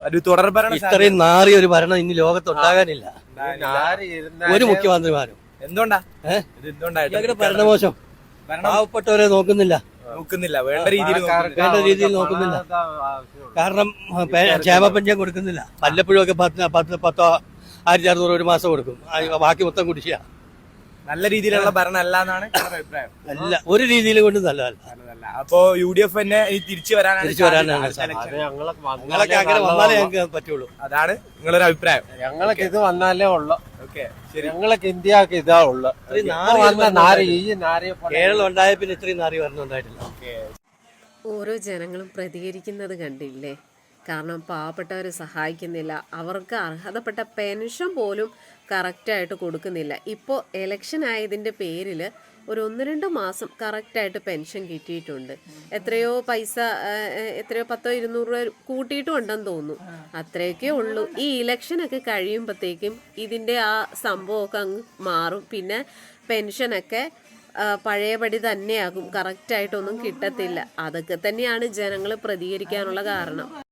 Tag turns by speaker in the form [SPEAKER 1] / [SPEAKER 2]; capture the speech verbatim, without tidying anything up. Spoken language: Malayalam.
[SPEAKER 1] ഒരു തുടർഭരണം
[SPEAKER 2] ഇത്രയും നാറിയ ഒരു ഭരണം ഇനി ലോകത്തുണ്ടാകാനില്ല. ഒരു മുഖ്യമന്ത്രിമാരും
[SPEAKER 1] എന്തുകൊണ്ടാ ഇത് എന്തുകൊണ്ടായിട്ട്
[SPEAKER 2] ഭരണമോശം, പാവപ്പെട്ടവരെ നോക്കുന്നില്ല
[SPEAKER 1] നോക്കുന്നില്ല വേണ്ട രീതിയിൽ
[SPEAKER 2] വേണ്ട രീതിയിൽ നോക്കുന്നില്ല. കാരണം ക്ഷേമ പെൻഷൻ കൊടുക്കുന്നില്ല. വല്ലപ്പോഴും ഒക്കെ പത്ത് പത്ത് പത്തോ ആയിരത്തി അറുന്നൂറ് ഒരു മാസം കൊടുക്കും, ബാക്കി മൊത്തം കുടിശ്ശിക.
[SPEAKER 1] നല്ല രീതിയിലുള്ള ഭരണം അല്ല എന്നാണ് അഭിപ്രായം.
[SPEAKER 2] അല്ല, ഒരു രീതിയിൽ കൊണ്ട് നല്ലതല്ല.
[SPEAKER 1] അപ്പോ യു ഡി എഫ് തന്നെ തിരിച്ചു വരാനാണ്
[SPEAKER 2] തിരിച്ചു വരാനാണ് ഞങ്ങളൊക്കെ അങ്ങനെ വന്നാലേ ഞങ്ങൾക്ക് പറ്റുള്ളൂ.
[SPEAKER 1] അതാണ് നിങ്ങളൊരു അഭിപ്രായം.
[SPEAKER 3] ഞങ്ങൾക്ക് ഇത് വന്നാലേ ഉള്ളു.
[SPEAKER 1] ഓക്കെ, ശരി.
[SPEAKER 3] ഞങ്ങൾക്ക് ഇന്ത്യക്ക് ഇതാ ഉള്ളു.
[SPEAKER 2] കേരളം ഉണ്ടായ പിന്നെ ഇത്രയും നാറി ഭരണം ഉണ്ടായിട്ടില്ല.
[SPEAKER 4] ഓരോ ജനങ്ങളും പ്രതികരിക്കുന്നത് കണ്ടില്ലേ? കാരണം പാവപ്പെട്ടവരെ സഹായിക്കുന്നില്ല, അവർക്ക് അർഹതപ്പെട്ട പെൻഷൻ പോലും കറക്റ്റായിട്ട് കൊടുക്കുന്നില്ല. ഇപ്പോൾ എലക്ഷൻ ആയതിൻ്റെ പേരിൽ ഒരു ഒന്ന് രണ്ട് മാസം കറക്റ്റായിട്ട് പെൻഷൻ കിട്ടിയിട്ടുണ്ട്. എത്രയോ പൈസ, എത്രയോ പത്തോ ഇരുന്നൂറ് രൂപ കൂട്ടിയിട്ടും ഉണ്ടെന്ന് തോന്നുന്നു. അത്രയൊക്കെ ഉള്ളൂ. ഈ ഇലക്ഷനൊക്കെ കഴിയുമ്പോഴത്തേക്കും ഇതിൻ്റെ ആ സംഭവമൊക്കെ അങ്ങ് മാറും. പിന്നെ പെൻഷനൊക്കെ പഴയപടി തന്നെയാകും, കറക്റ്റായിട്ടൊന്നും കിട്ടത്തില്ല. അതൊക്കെ തന്നെയാണ് ജനങ്ങൾ പ്രതികരിക്കാനുള്ള കാരണം.